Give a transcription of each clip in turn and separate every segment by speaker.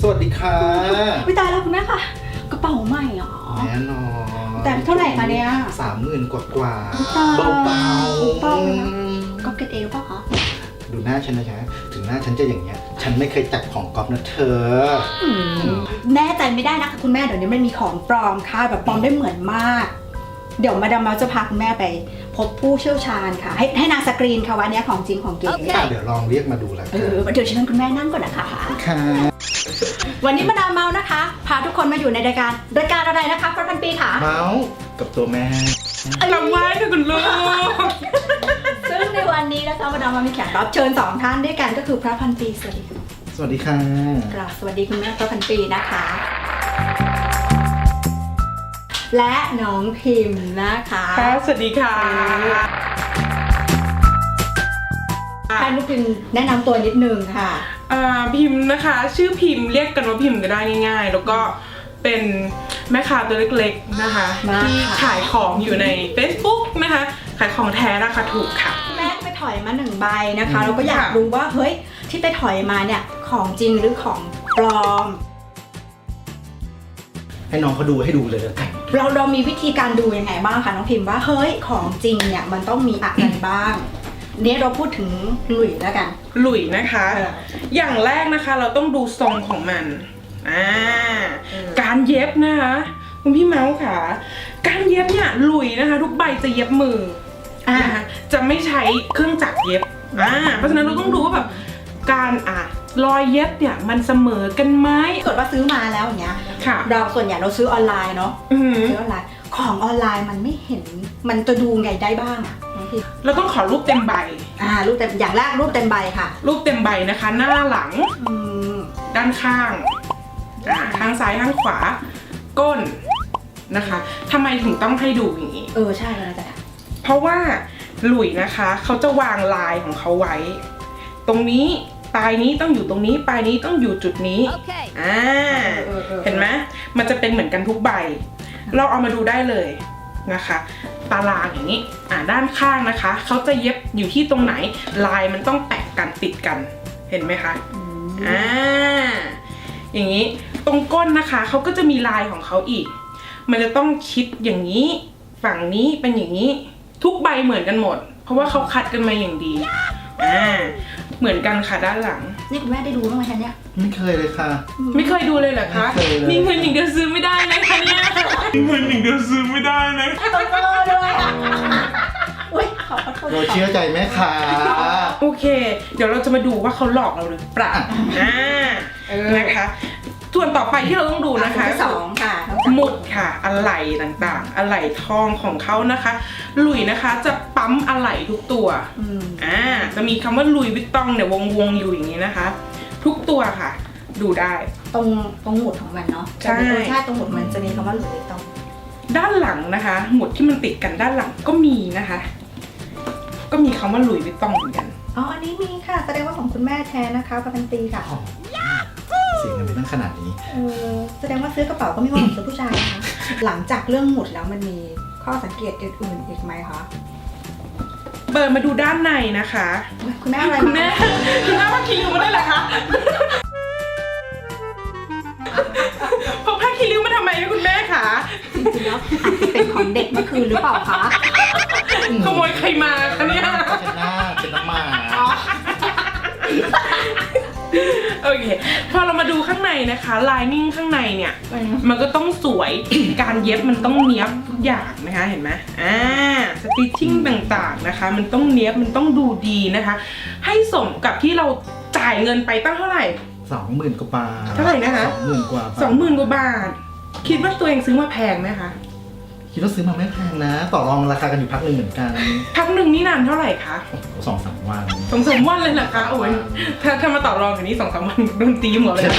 Speaker 1: วัสดีค่ะ
Speaker 2: ไม่ตายแล้วคุณแม่ค่ะกระเป๋าใหม่หรอ
Speaker 1: แน่นอน
Speaker 2: แต่เท่าไหร่คะเนี่ย
Speaker 1: 30,000 กว่า
Speaker 2: เบา
Speaker 1: ๆ
Speaker 2: ก็เก็ตเอลป่ะคะ
Speaker 1: ดูหน้าฉันนะจ๊ะถึงหน้าฉันจะอย่างเงี้ยฉันไม่เคยจับของก๊อฟนะเธอ
Speaker 2: แน่ใจไม่ได้นะคะคุณแม่เดี๋ยวนี้มันมีของปลอมค่ะแบบปลอมได้เหมือนมากเดี๋ยวมาดามเมาจะพาคุณแม่ไปพบผู้เชี่ยวชาญค่ะให้นางสกรีนค่ะวันนี้ของจริงของเก๋
Speaker 1: เดี๋ยวลองเรียกมาดูแล้ว
Speaker 2: เดี๋ยวเชิญคุณแม่นั่งก่อนนะคะ
Speaker 1: ค่ะ
Speaker 2: วันนี้มาดามเมานะคะพาทุกคนมาอยู่ในรายการอะไรนะคะพระพันปีค่ะ
Speaker 1: เมาส์กับตัวแม่
Speaker 2: ลำไว้ค่ะคุณลูกซึ่งในวันนี้นะคะมาดามเมามีแขกรับเชิญ2ท่านด้วยกันก็คือพระพันปีสวัสดีค่ะ
Speaker 1: สวัสดีค่ะ
Speaker 2: สวัสดีคุณแม่พระพันปีนะคะและน้องพิมพ์นะคะ
Speaker 3: สวัสดีค่ะ
Speaker 2: ให้น้องพิมพ์แนะนำตัวนิดนึงค่ะ
Speaker 3: พิมพ์นะคะชื่อพิมพ์เรียกกันว่าพิมพ์ก็ได้ง่ายๆแล้วก็เป็นแม่ค้าตัวเล็กๆนะคะที่ขายของอยู่ใน Facebook นะคะขายของแท้ราคาถูกค่ะ
Speaker 2: แม่ไปถอยมา1 ใบนะคะเราก็อยากรู้ว่าเฮ้ยที่ไปถอยมาเนี่ยของจริงหรือของปลอม
Speaker 1: ให้น้องเขาดูให้ดูเลยแล้วกัน
Speaker 2: เรามีวิธีการดูยังไงบ้างคะน้องพิมพ์ว่าเฮ้ยของจริงเนี่ยมันต้องมีอะไรบ้างเนี่ยเราพูดถึงหลุยแล้วกัน
Speaker 3: หลุยนะคะอย่างแรกนะคะเราต้องดูทรงของมันการเย็บนะคะคุณพี่เมาส์ค่ะการเย็บเนี่ยหลุยนะคะทุกใบจะเย็บมือนะคะจะไม่ใช้เครื่องจักรเย็บเพราะฉะนั้นเราต้องดูว่าแบบการรอยเย็บเนี่ยมันเสมอกันไหม
Speaker 2: เกิดว่าซื้อมาแล้วอย่างเงี้ยเราส่วนใหญ่เราซื้อออนไลน์เนาะซื้อออนไลน์ของออนไลน์มันไม่เห็นมันจะดูไงได้บ้าง
Speaker 3: เราต้องขอรูปเต็มใบ
Speaker 2: รูปเต็มอย่างแรกรูปเต็มใบค่ะ
Speaker 3: รูปเต็มใบนะคะหน้าหลังด้านข้างข้างซ้ายข้างขวาก้นนะคะทำไมถึงต้องให้ดูอย่างนี้
Speaker 2: ใช่เลยจ้ะ
Speaker 3: เพราะว่าหลุยนะคะเขาจะวางลายของเขาไว้ตรงนี้ปลายนี้ต้องอยู่ตรงนี้ปลายนี้ต้องอยู่จุดนี้เห็นไหมมันจะเป็นเหมือนกันทุกใบเราเอามาดูได้เลยนะคะตารางอย่างนี้ด้านข้างนะคะเขาจะเย็บอยู่ที่ตรงไหนลายมันต้องแตะกันติดกันเห็นไหมคะอย่างนี้ตรงก้นนะคะเขาก็จะมีลายของเขาอีกมันจะต้องชิดอย่างนี้ฝั่งนี้เป็นอย่างนี้ทุกใบเหมือนกันหมดเพราะว่าเขาคัดกันมาอย่างดีเหมือนกันค่ะด้านหลัง
Speaker 2: นี่คุณแม่ได้ดูบ้างไหมคะเนี่ย
Speaker 1: ไม่เคยเลยค่ะ
Speaker 3: ไม่เคยดูเลยเหรอคะมีเงินอย่างเดียวซื้อไม่ได้เลยค่ะเนี่ยมีเงินอย่างเดียวซื้อไม่ได้เลย
Speaker 2: ต้องโตด้วยอุ้ยขอโทษ
Speaker 1: เราเชื่อใจแม่ค่ะ
Speaker 3: โอเคเดี๋ยวเราจะมาดูว่าเขาหลอกเราหรือเปล่านะคะส่วนต่อไปที่เราต้องดูนะคะ
Speaker 2: 2ค่ะ
Speaker 3: หมุดค่ะอะไหล่ต่างๆอะไหล่ทองของเขานะคะหลุยนะคะจะปั๊มอะไหล่ทุกตัวจะมีคำว่าหลุยวิตตองเนี่ยวงอยู่อย่างนี้นะคะทุกตัวค่ะดูได้
Speaker 2: ตรงหมุดของมันเนาะใช่ตรงหมุดมันจะมีคำว่าหลุยวิตตอง
Speaker 3: ด้านหลังนะคะหมุดที่มันติดกันด้านหลังก็มีนะคะก็มีคำว่าหลุยวิตตองเหมือนกัน
Speaker 2: อันนี้มีค่ะแสดงว่าของคุณแม่แท้นะคะประกันปีค่ะ
Speaker 1: เสียเงินไปตั้งขนาดนี้
Speaker 2: แสดงว่าซื้อกระเป๋าก็ไม่ว่าของซื้อผู้ชายนะคะหลังจากเรื่องหมุดแล้วมันมีข้อสังเกตอื่นๆอีกไหมคะ
Speaker 3: เปิดมาดูด้านในนะคะ
Speaker 2: คุณแม่อะไร
Speaker 3: คุณแม่ผ้าคีริ้วมาได้เหรอคะพกผ้าคีริ้วมาทำไมคุณแม่คะ
Speaker 2: จริงๆแล้วอาจจะเป็นของเด็กเมื่อคืนหรือเปล่าคะ
Speaker 3: ขโมยใครมาคะเนี่ย
Speaker 1: เป็นน้ำมา
Speaker 3: โอเคพอเรามาดูข้างในนะคะลายนิ่งข้างในเนี่ยมันก็ต้องสวย การเย็บมันต้องเนี้ยบทุกอย่างนะคะเห็นไหมสติชชิ่งต่างๆนะคะมันต้องเนี้ยบมันต้องดูดีนะคะให้สมกับที่เราจ่ายเงินไปตั้งเท่าไหร่
Speaker 1: 20,000 กว่าบาท
Speaker 3: เท่าไหร่นะคะ
Speaker 1: 20,000 กว่า
Speaker 3: บาทคิดว่าตัวเองซื้อมาแพงไหมคะ
Speaker 1: คิดว่าซื้อมาไม่แพงนะต่อรองราคากันอยู่พักหนึ่งเหมือนกัน
Speaker 3: พักหนึ่งนี่นานเท่าไหร่คะ
Speaker 1: 2-3 วัน
Speaker 3: 2-3 วันเลยเหรอคะโอ้ยถ้ามาต่อรองอย่างนี้2-3 วันโดนตีหมดเลย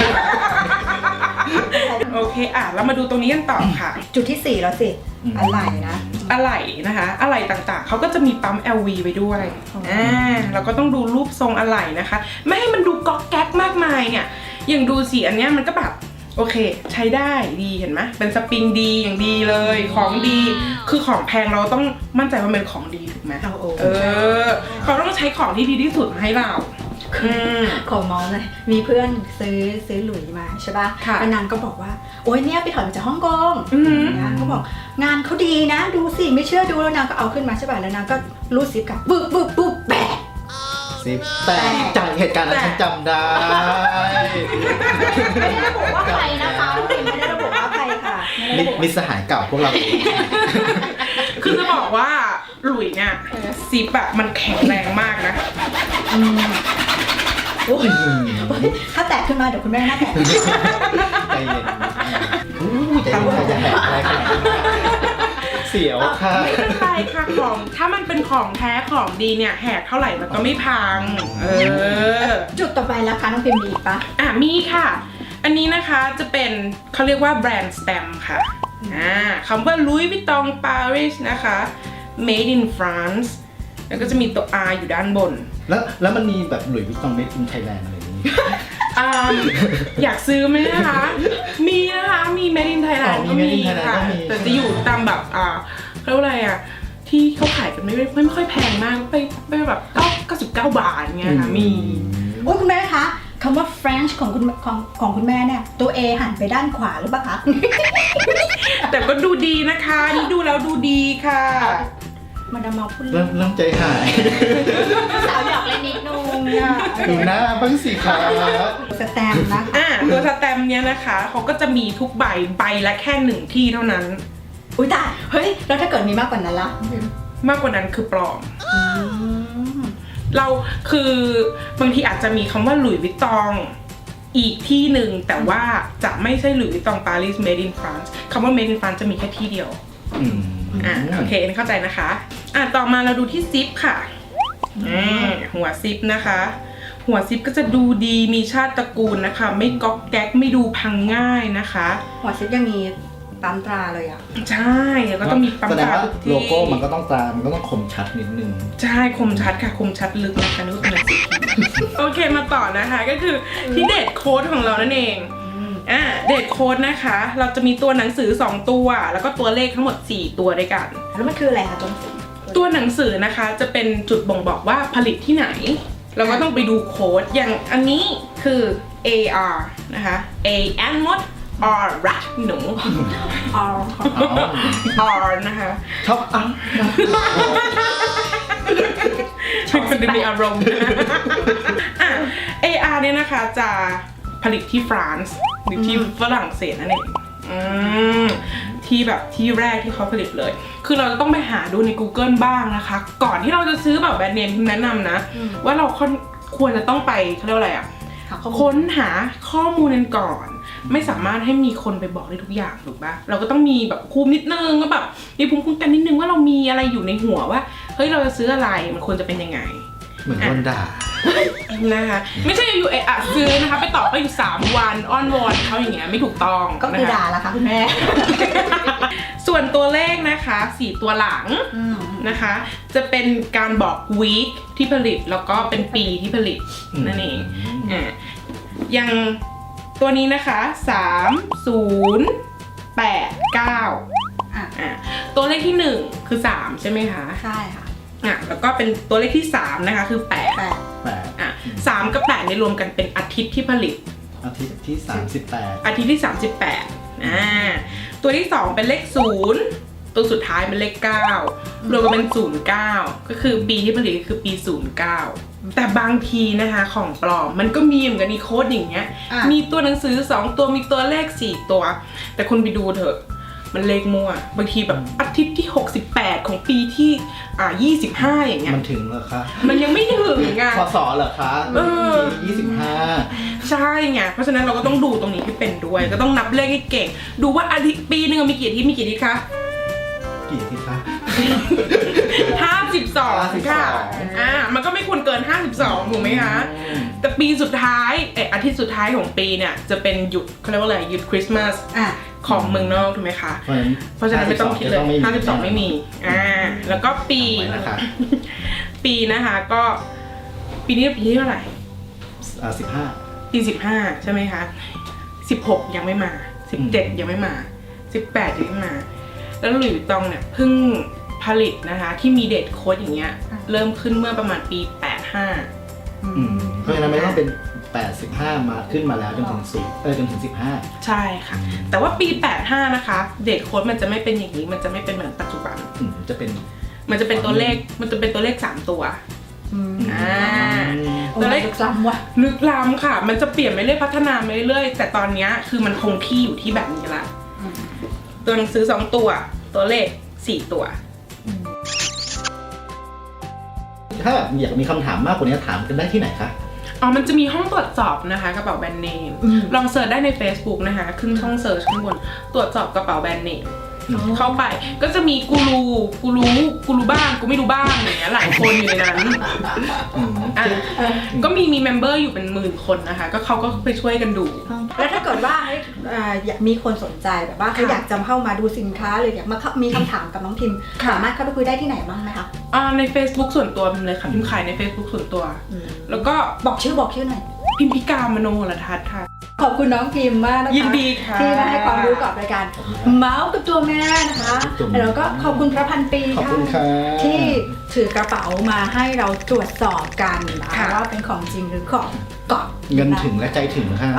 Speaker 3: โอเคเรามาดูตรงนี้กันต่อค่ะ
Speaker 2: จุดที่4แล้วสิอะไหล่นะ
Speaker 3: อะไหล่นะคะอะไหล่ต่างๆเขาก็จะมีปั๊ม LV ไปด้วยเราก็ต้องดูรูปทรงอะไหล่นะคะไม่ให้มันดูก๊อกแก๊กมากมายเนี่ยอย่างดูสีอันนี้มันก็แบบโอเคใช้ได้ดีเห็นไหมเป็นสปริงดีอย่างดีเลยของดีคือของแพงเราต้องมั่นใจว่าเป็นของดีถูกไหมเขาต้องใช้ของที่ดีที่สุดมาให้เรา
Speaker 2: ขอเมาส์เลยมีเพื่อนซื้อหลุยมาใช่ป่ะ
Speaker 3: ค่ะ
Speaker 2: แล้วนางก็บอกว่าโอ๊ยเนี่ยไปถอยมาจากฮ่องกง
Speaker 3: อือหือ
Speaker 2: นะเขาบอกงานเขาดีนะดูสิไม่เชื่อดูแล้วนางก็เอาขึ้นมาใช่ป่ะแล้วนางก็รูดซิปกับปึ๊บปึ๊บปึ๊บแปะ
Speaker 1: ซิปแต่จากเหตุการณ์นั้นฉันจำได้
Speaker 2: ไม่ได้ระบุว่าใครนะคะน้องพิมไม่ได้ระบุว่าใครค่ะไม่ได้ระบุ
Speaker 1: มิตรสหายเก่าพวกเราเอง
Speaker 3: คือจะบอกว่าหลุยเนี่ยซิปอะมันแข็งแรงมากนะ
Speaker 2: โอ้ยถ้าแตกขึ้นมาเดี๋ยวคุณแม่หน้าแตก
Speaker 1: ใจเย็นอู้ใจเย็นจะแหกอะไรขนาดนั้นเสียวค่ะ
Speaker 3: ไม่เป็นไรค่ะของถ้ามันเป็นของแท้ของดีเนี่ยแหกเท่าไหร่มันก็ไม่พัง
Speaker 2: จุดต่อไปแล้วค่ะน้องพิมมีอีกปะ
Speaker 3: มีค่ะ อันนี้นะคะจะเป็นเขาเรียกว่าแบรนด์สแตมป์ค่ะคำว่า Louis Vuitton Paris นะคะ Made in France แล้วก็จะมีตัว R อยู่ด้านบน
Speaker 1: แล้วมันมีแบบหลุยส์วิตตองเมดอินไทยแลนด์อะไรอย่างนี้
Speaker 3: อยากซื้อไหมนะคะ มีนะคะ มี Made in Thailand ก็มีค่ะ แต่จะอยู่ตามแบบเขาเรียกว่าอะไรที่เขาขายกันไม่ค่อยแพงมากไปแบบ99 บาทเงี้ยค่ะ มี
Speaker 2: โอ้ยคุณแม่คะคำว่า French ของคุณแม่เนี่ยตัว A หันไปด้านขวาหรือเปล่าคะ
Speaker 3: แต่ก็ดูดีนะคะนี่ดูแล้วดูดีค่ะ
Speaker 2: มาดามเมาพูด
Speaker 1: เริ่มใจหาย
Speaker 2: สาวหยอกเล่นนิดนึงอ่ะ
Speaker 1: ดูหน้าบ้างสิคะ
Speaker 2: สแตมป์นะ
Speaker 3: ตัวสแตมป์เนี้ยนะคะเขาก็จะมีทุกใบละแค่1 ที่เท่านั้น
Speaker 2: อุ้ยตายเฮ้ยแล้วถ้าเกิดมีมากกว่านั้นล่ะ
Speaker 3: มากกว่านั้นคือปลอม เราคือบางทีอาจจะมีคำว่าหลุยส์วิตตองอีกที่หนึ่งแต่ว่าจะไม่ใช่หลุยส์วิตตองปารีส made in France คำว่า made in France จะมีแค่ที่เดียว โอเคเข้าใจนะคะ ต่อมาเราดูที่ซิปค่ะหัวซิปนะคะ หัวซิปก็จะดูดีมีชาติตระกูลนะคะ ไม่ก๊อกแก๊กไม่ดูพังง่ายนะคะ
Speaker 2: หัวซิปยังมีปั๊มตราเลยอ่ะ
Speaker 3: ใช่แล้วก็ต้องมีปั๊ม
Speaker 1: แสด
Speaker 3: ต
Speaker 1: ง
Speaker 3: รา
Speaker 1: ว่า
Speaker 3: ทุกที่
Speaker 1: โลโก้มันก็ต้องตรามันก็ต้องคมชัดนิดนึง
Speaker 3: ใช่คมชัดค่ะคมชัดลึกนะคะนึกว่าเป็นหนังสือโอเคมาต่อนะคะก็คือที่เดทโค้ดของเรานั่นเองเดทโค้ดนะคะ เราจะมีตัวหนังสือ2ตัวแล้วก็ตัวเลขทั้งหมด4ตัวด้วยกัน
Speaker 2: แล้วมันคืออะไรคะตัวหนังสือ
Speaker 3: ตัวหนังสือนะคะจะเป็นจุดบ่งบอกว่าผลิตที่ไหน เราก็ต้องไปดูโค้ดอย่างอันนี้คือ AR นะคะ A and มด R rat หนู
Speaker 2: อ๋อ
Speaker 3: R นะคะ
Speaker 1: ชอบอ่ะ
Speaker 3: เป็นคนดูมีอารมณ์ AR เนี่ยนะคะจะผลิตที่ฝรั่งหรือที่ฝรั่งเศสนั่นเองที่แบบที่แรกที่เขาผลิตเลย คือเราจะต้องไปหาดูใน Google บ้างนะคะ ก่อนที่เราจะซื้อแบบแบรนด์เนมแนะนำนะ ว่าเราควรจะต้องไปเขาเรียกว่าอะไรค้นหาข้อมูลกันก่อน ไม่สามารถให้มีคนไปบอกได้ทุกอย่างถูกปะเราก็ต้องมีแบบภูมินิดนึงก็แบบมีภูมิคุ้มกันนิดนึงว่าเรามีอะไรอยู่ในหัวว่าเฮ้ยเราจะซื้ออะไรมันควรจะเป็นยังไง
Speaker 1: เหมือนโดนด่า
Speaker 3: นะคะไม่ใช่อยู่ซื้อนะคะไปต่อก็อยู่3 วันอ้อนวอนเขาอย่างเงี้ยไม่ถูกต้อง
Speaker 2: ก็คือด่าละค่ะคุณแม่
Speaker 3: ส่วนตัวเลขนะคะ4ตัวหลังนะคะจะเป็นการบอก week ที่ผลิตแล้วก็เป็นปีที่ผลิตนั่นเองอย่างตัวนี้นะคะ3089ตัวเลขที่1คือ3ใช่ไหมคะ
Speaker 2: ใช่ค่ะ
Speaker 3: แล้วก็เป็นตัวเลขที่3นะคะคือ8 3กับ8เนี่ยรวมกันเป็นอาทิตย์ที่ผลิต
Speaker 1: อาทิตย์ที่ 38
Speaker 3: อาทิตย์ที่38ตัวที่2เป็นเลข0ตัวสุดท้ายเป็นเลข9รวมกันเป็น09ก็คือปีที่ผลิตคือปี09แต่บางทีนะคะของปลอมมันก็มีเหมือนกันมีโค้ดอย่างเงี้ยมีตัวหนังสือ2ตัวมีตัวเลข4ตัวแต่คุณไปดูเถอะมันเลขมั่วบางทีแบบอาทิตย์ที่68ของปีที่25อย่างเงี้ย
Speaker 1: มันถึงเหรอคะ
Speaker 3: มันยังไม่ถึงอ่ะ
Speaker 1: พศเหรอคะปี25
Speaker 3: ใช่ไงเพราะฉะนั้นเราก็ต้องดูตรงนี้ให้เป็นด้วยก็ต้องนับเลขให้เก่งดูว่าอาทิตย์ปีนึงมีกี่อาทิตย์มีกี่อาทิตย์คะ
Speaker 1: กี่ที่คะ
Speaker 3: 52ค่ะมันก็ไม่ควรเกิน52ถูกไหมคะแต่ปีสุดท้ายอาทิตย์สุดท้ายของปีเนี่ยจะเป็นหยุดเขาเรียกว่าอะไรหยุดคริสต์มาสของเมืองนอกถูกไหมคะเพราะฉะนั้นไม่ต้องคิดเลย52ไม่มีแล้วก็ปีปีนะคะก็ปีนี้ปีที่เท่าไหร่
Speaker 1: 15
Speaker 3: ปี15ใช่ไหมคะ16ยังไม่มา17ยังไม่มา18ยังไม่มาแล้วหลุยส์วิตตองเนี่ยเพิ่งผลิตนะคะที่มีเดทโค้ดอย่างเงี้ยเริ่มขึ้นเมื่อประมาณปี85
Speaker 1: เพราะฉะนั้นไม่ต้องเป็น85มาขึ้นมาแล้วจนถึง10จนถึง15
Speaker 3: ใช่ค่ะแต่ว่าปี85นะคะเดทโค้ดมันจะไม่เป็นอย่างนี้มันจะไม่เป็นเหมือนปัจจุบัน
Speaker 1: จะเป็น
Speaker 3: มันจะเป็นตัวเลข3ตัว
Speaker 2: ตัวเลขลึกล้ำว่ะ
Speaker 3: ลึกล้ำค่ะมันจะเปลี่ยนไปเรื่อยพัฒนาไปเรื่อยแต่ตอนนี้คือมันคงที่อยู่ที่แบบนี้ละตัวหนังสือ2ตัวตัวเลข4ตัว
Speaker 1: ถ้าแบบอยากมีคำถามมากกว่านี้ถามกันได้ที่ไหนคะ
Speaker 3: มันจะมีห้องตรวจสอบนะคะกระเป๋าแบรนด์เนมลองเสิร์ชได้ใน Facebook นะคะขึ้นช่องเสิร์ชข้างบนตรวจสอบกระเป๋าแบรนด์เนมเข้าไปก็จะมีกูรู้บ้างกูไม่รู้บ้างอย่างเงี้ยหลายคนอยู่ในนั้นก็มีเมมเบอร์อยู่เป็น10,000 คนนะคะก็เขาก็ไปช่วยกันดู
Speaker 2: แล้วถ้าเกิดว่าอยากมีคนสนใจแบบว่าเขาอยากจะเข้ามาดูสินค้าหรืออยากมามีคำถามกับน้องพิมสามารถเข้าไปคุยได้ที่ไหนบ้างไหมคะ
Speaker 3: ใน Facebook ส่วนตัวพิมเลยค่ะพิมขายใน Facebook ส่วนตัวแล้วก็
Speaker 2: บอกชื่อหน่อย
Speaker 3: พิมพิกามโนรทัศน์ค่ะ
Speaker 2: ขอบคุณน้องพิมมากนะคะ
Speaker 3: ยินดีค่ะ
Speaker 2: ที่มาให้ความรู้กับรายการเมาส์กับตัวแม่นะคะแล้วก็ขอบคุณพระพันปีค่ะที่ถือกระเป๋ามาให้เราตรวจสอบกันว่าเป็นของจริงหรือของกอบ
Speaker 1: เงินถึงและใจถึงค่ะ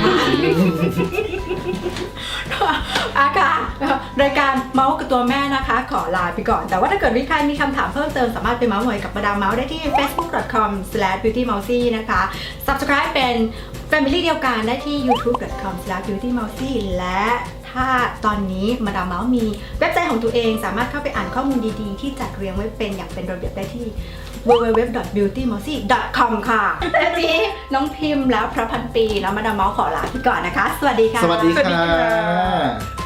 Speaker 2: ค่ะรายการเมาส์กับตัวแม่นะคะขอลาไปก่อนแต่ว่าถ้าเกิดใครมีคำถามเพิ่มเติมสามารถไปเมาส์หน่อยกับมาดามเมาส์ได้ที่ facebook.com/beautymousy นะคะ subscribe เป็น family เดียวกันได้ที่ youtube.com/beautymousy และถ้าตอนนี้มาดามเมาส์มีเว็บไซต์ของตัวเองสามารถเข้าไปอ่านข้อมูลดีๆที่จัดเรียงไว้เป็นอย่างเป็นระเบียบได้ที่ www.beautymousy.com ค่ะและนี้น้องพิมพ์แล้วพระพันปีแล้วมาดามเมาส์ขอลาไปก่อนนะคะสวัสดีค่ะ
Speaker 1: สวัสดีค่ะ